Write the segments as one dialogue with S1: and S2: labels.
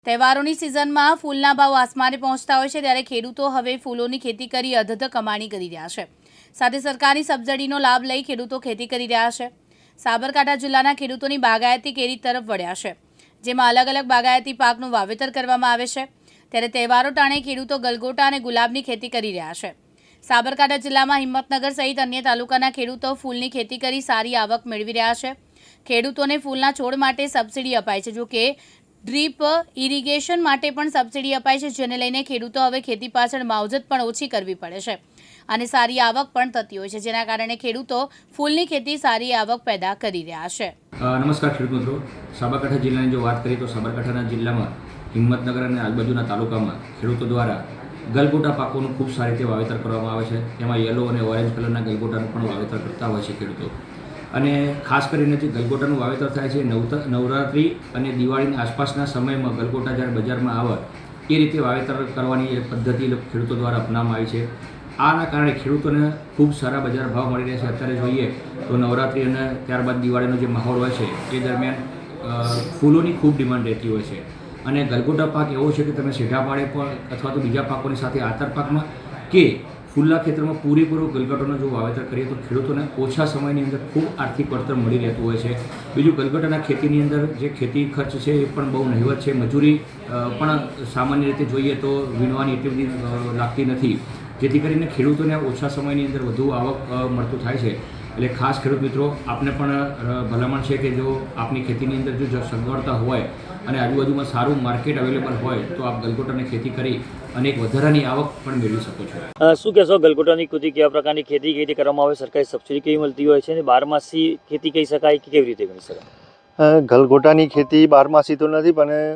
S1: તહેવારોની સિઝનમાં ફૂલના ભાવ આસમાને પહોંચતા હોય છે ત્યારે ખેડૂતો હવે ફૂલોની ખેતી કરી અધધ કમાણી કરી રહ્યા છે. સાથે સરકારી સબસિડીનો લાભ લઈ ખેડૂતો ખેતી કરી રહ્યા છે. સાબરકાંઠા જિલ્લાના ખેડૂતોની બાગાયતી કેરી તરફ વળ્યા છે, જેમાં અલગ અલગ બાગાયતી પાકનું વાવેતર કરવામાં આવે છે. ત્યારે તહેવારો ટાણે ખેડૂતો ગલગોટા અને ગુલાબની ખેતી કરી રહ્યા છે. સાબરકાંઠા જિલ્લામાં હિંમતનગર સહિત અન્ય તાલુકાના ખેડૂતો ફૂલની ખેતી કરી સારી આવક મેળવી રહ્યા છે. ખેડૂતોને ફૂલના છોડ માટે સબસિડી અપાય છે, જો કે ડ્રીપ ઇરિગેશન માટે પણ સબસિડી અપાય છે, જેને લઈને ખેડૂતો હવે ખેતી પાછળ માવજત પણ ઓછી કરવી પડે છે અને સારી આવક પણ થતી હોય છે, જેના કારણે ખેડૂતો ફૂલની ખેતી સારી આવક પેદા કરી રહ્યા છે.
S2: નમસ્કાર ખેડૂત મિત્રો, સાબરકાંઠા જિલ્લાની જો વાત કરીએ તો સાબરકાંઠાના જિલ્લામાં હિંમતનગર અને આજુબાજુના તાલુકામાં ખેડૂતો દ્વારા ગલગોટા પાકોનું ખૂબ સારી રીતે વાવેતર કરવામાં આવે છે. તેમાં યલો અને ઓરેન્જ કલરના ગલગોટાનું પણ વાવેતર કરતા હોય છે ખેડૂતો. અને ખાસ કરીને જે ગલગોટાનું વાવેતર થાય છે નવરાત્રિ અને દિવાળીની આસપાસના સમયમાં ગલગોટા જ્યારે બજારમાં આવે એ રીતે વાવેતર કરવાની એક પદ્ધતિ ખેડૂતો દ્વારા અપનાવવામાં આવી છે. આના કારણે ખેડૂતોને ખૂબ સારા બજાર ભાવ મળી રહ્યા છે. અત્યારે જોઈએ તો નવરાત્રિ અને ત્યારબાદ દિવાળીનો જે માહોલ હોય છે એ દરમિયાન ફૂલોની ખૂબ ડિમાન્ડ રહેતી હોય છે. અને ગલગોટા પાક એવો છે કે તમે સીધા પાડે પણ અથવા તો બીજા પાકોની સાથે આતર પાકમાં કે ફૂલના ખેતરમાં પૂરેપૂરો ગલગોટાનો જો વાવેતર કરીએ તો ખેડૂતોને ઓછા સમયની અંદર ખૂબ આર્થિક વળતર મળી રહેતું હોય છે. બીજું, ગલગોટાના ખેતીની અંદર જે ખેતી ખર્ચ છે એ પણ બહુ નહિવત છે. મજૂરી પણ સામાન્ય રીતે જોઈએ તો વીણવાની એટલી બધી લાગતી નથી, જેથી કરીને ખેડૂતોને ઓછા સમયની અંદર વધુ આવક મળતું થાય છે. એટલે ખાસ ખેડૂત મિત્રો, આપને પણ ભલામણ છે કે જો આપની ખેતીની અંદર જો સગવડતા હોય અને આજુબાજુમાં સારું માર્કેટ અવેલેબલ હોય તો આપ ગલગોટાની ખેતી કરી અને એક વધારાની આવક પણ મેળવી શકો છો.
S3: શું કહેશો, ગલગોટાની ખેતી કેવા પ્રકારની ખેતી કેવી રીતે કરવામાં આવે, સરકારી સબસિડી કેવી મળતી હોય છે અને બારમાસી ખેતી કહી શકાય કે કેવી રીતે ગણી શકાય?
S4: ગલગોટાની ખેતી બારમાસી તો નથી,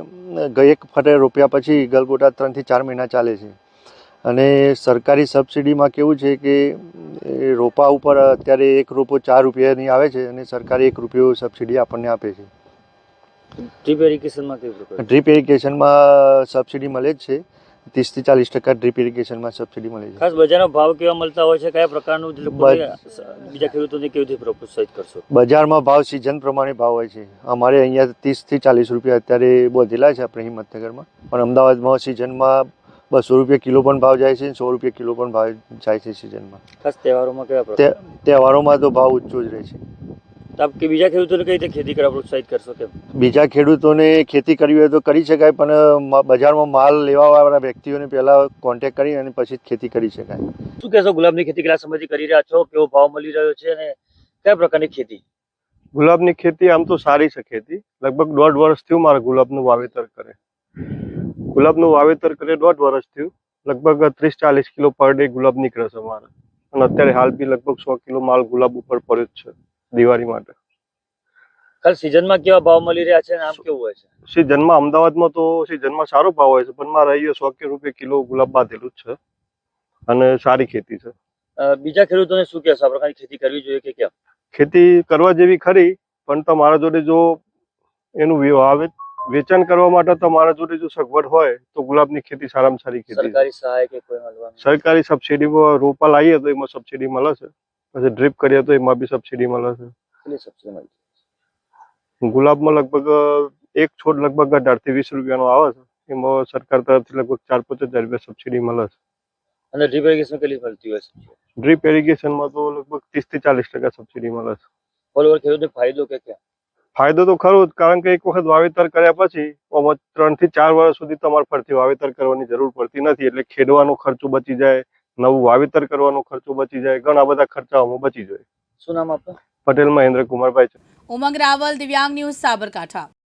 S4: પણ એક ફટે રોપ્યા પછી ગલગોટા 3 થી 4 મહિના ચાલે છે. અને સરકારી સબસિડીમાં કેવું છે કે રોપા ઉપર અત્યારે એક રોપો 4 રૂપિયાની આવે છે અને સરકારે 1 રૂપિયો સબસિડી આપણને આપે છે.
S3: ડ્રીપ ઇરિગેશનમાં કેવી પ્રકાર?
S4: ડ્રીપ ઇરિગેશનમાં સબસિડી મળે જ છે. 30 થી 40% ડ્રીપ ઇરિગેશનમાં સબસિડી મળે છે.
S3: ખાસ બજારના ભાવ કેવા મળતા હોય છે, કયા પ્રકારનું બીજા ખેડૂતોને કેવી રીતે પ્રોત્સાહિત કરશો?
S4: બજારમાં ભાવ સિઝન પ્રમાણે ભાવ હોય છે. અમારે અહીંયા 30 થી 40 રૂપિયા અત્યારે બોધેલા છે આપણે હિંમતનગરમાં, પણ અમદાવાદમાં સિઝનમાં 200 રૂપિયા કિલો પણ ભાવ જાય છે, 100 રૂપિયા કિલો પણ ભાવ જાય છે સિઝનમાં.
S3: ખાસ તહેવારોમાં કેવા પ્રકાર?
S4: તહેવારોમાં તો ભાવ ઊંચો જ રહે છે.
S3: કે બીજા ખેડૂતોને કઈ રીતે ખેતી કરવા પ્રોત્સાહિત કરશો? કેમ
S4: બીજા ખેડૂતોને ખેતી કરવી હોય તો કરી શકાય, પણ બજારમાં માલ લેવાવાળા વ્યક્તિઓને પહેલાં કોન્ટેક્ટ કરી અને પછી ખેતી કરી શકાય.
S3: શું કહેશો, ગુલાબની ખેતી કેટલા સમયથી કરી રહ્યા છો, કેવો ભાવ મળી રહ્યો છે અને કયા પ્રકારની ખેતી?
S5: ગુલાબની ખેતી આમ તો સારી છે ખેતી. લગભગ 1.5 વર્ષ થયું મારે ગુલાબનું વાવેતર કરે. ગુલાબનું વાવેતર કરે 1.5 વર્ષ થયું. લગભગ 30-40 કિલો પર ડે ગુલાબ નીકળે છે મારે. અને અત્યારે હાલ બી લગભગ 100 કિલો માલ ગુલાબ ઉપર પડ્યો જ છે દિવાળી માટે.
S3: ખાલી સિઝનમાં કેવા ભાવ મળી રહ્યા છે અને આમ કેવું હોય છે?
S5: સિઝનમાં અમદાવાદમાં તો સિઝનમાં સારો ભાવ હોય છે, પણ મારે અહીંયા 100 રૂપિયા કિલો ગુલાબ બાંધેલું જ છે અને સારી ખેતી છે.
S3: બીજા ખેડૂતોને શું કહેશો, આ પ્રકારની ખેતી કરવી જોઈએ કે કેમ?
S5: ખેતી કરવા જેવી ખરી, પણ તમારા જોડે જો એનું વેચાણ કરવા માટે તમારા જોડે જો સગવડ હોય તો ગુલાબની ખેતી સારામાં સારી ખેતી.
S3: સરકારી સહાય કે કોઈ મળવાની?
S5: સરકારી સબસિડીમાં રોપા લાવીએ તો એમાં સબસિડી મળે છે, પછી ડ્રીપ કરીએ તો એમાં બી સબસિડી મળે છે.
S3: કેટલી સબસિડી મળે?
S5: ગુલાબમાં લગભગ એક છોડ લગભગ 18 થી 20 રૂપિયાનો આવે છે. એમાં સરકાર તરફથી લગભગ 4-5 હજાર રૂપિયા સબસિડી મળે છે.
S3: અને ડ્રીપ ઇરિગેશન કેટલી મળતી હોય છે?
S5: ડ્રીપ ઇરિગેશનમાં તો લગભગ 30 થી 40% સબસિડી મળે છે.
S3: ઓલ ઓવર ખેડૂતને ફાયદો કે કેમ?
S5: ફાયદો તો ખરો જ, કારણ કે એક વખત વાવેતર કર્યા પછી 3 થી 4 વર્ષ સુધી તમારે ફરીથી વાવેતર કરવાની જરૂર પડતી નથી. એટલે ખેડવાનો ખર્ચો બચી જાય, નવું વાવેતર કરવાનો ખર્ચો બચી જાય, ઘણા બધા ખર્ચાઓમાં બચી જાય.
S3: શું નામ આપનું?
S5: પટેલ મહેન્દ્ર કુમારભાઈ છે.
S1: ઉમંગ રાવલ, દિવ્યાંગ ન્યૂઝ, સાબરકાંઠા.